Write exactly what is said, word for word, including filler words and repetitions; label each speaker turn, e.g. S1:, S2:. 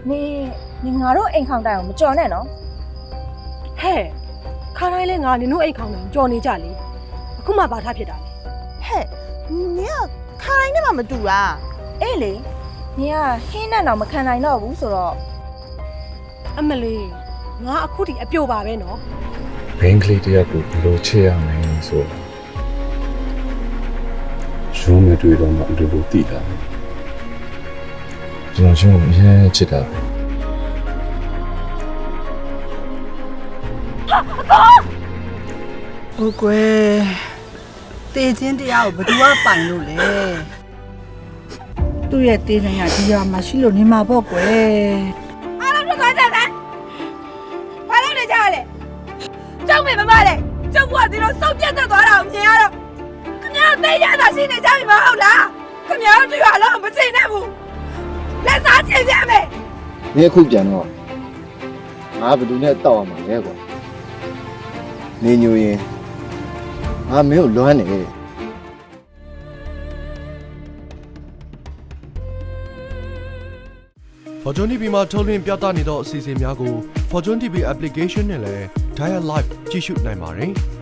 S1: 你你ငါတို့အိမ်ခေါင်တိုင်ကိုမကြော်နဲ့နော်
S2: ဟဲ့ခါတိုင်းလဲငါနင်တို့အိတ်ခေါင်တယ်ကြော်နေကြလေအခုမှဘာထားဖြစ်တာလဲ
S3: ဟဲ့နင်ကခါတိုင်းနဲ့မှမတူတာ
S1: အေးလေနင်ကဟင်းနဲ့တော့မခံနိုင်တော့ဘူးဆိုတော့
S2: အမလေးငါအခုထိအပြိုပါပဲနော်
S4: ဘင်းကလေးတယောက်ကိုဘယ်လိုချစ်ရမလဲဆိုရုံးမတွေ့တော့မှအတူတူတည်တာကျွန်တော်ရှင်ကိုအရင်ချစ်တာပဲ
S3: ဟုတ်ကွယ်တေချင်းတရားကိုဘယ်သူကပိုင်လို့လဲသူ့ရဲ့တေးနိုင်ရဒီရွာမှာရှိလို့နေမှာပေါ့ကွယ်
S1: အားလုံးထွက်သွားကြစမ်းဘာလို့နေကြရလဲကျောင်းမေမမလဲကျောင်းဘွားဒီလိုစုပ်ပြတ်သက်သွားတာကိုမြင်ရတော့ခင်ဗျားသိရတာရှိနေကြပြီမဟုတ်လားခင်ဗျားတို့ရွာလုံးမချိန်နဲ့ဘူးလက်စားချိန်ပြမယ်
S5: 你也可以讲哦，俺不都那到嘛那个，你牛人，俺没有乱的。
S6: Fortune တီ ဗီ မှာထုတ်လွှင့်ပြသနေသောအစီအစဉ်များကို Fortune တီ ဗီ application နဲ့လည်း Dial Live ကြည့်ရှုနိုင်ပါတယ်။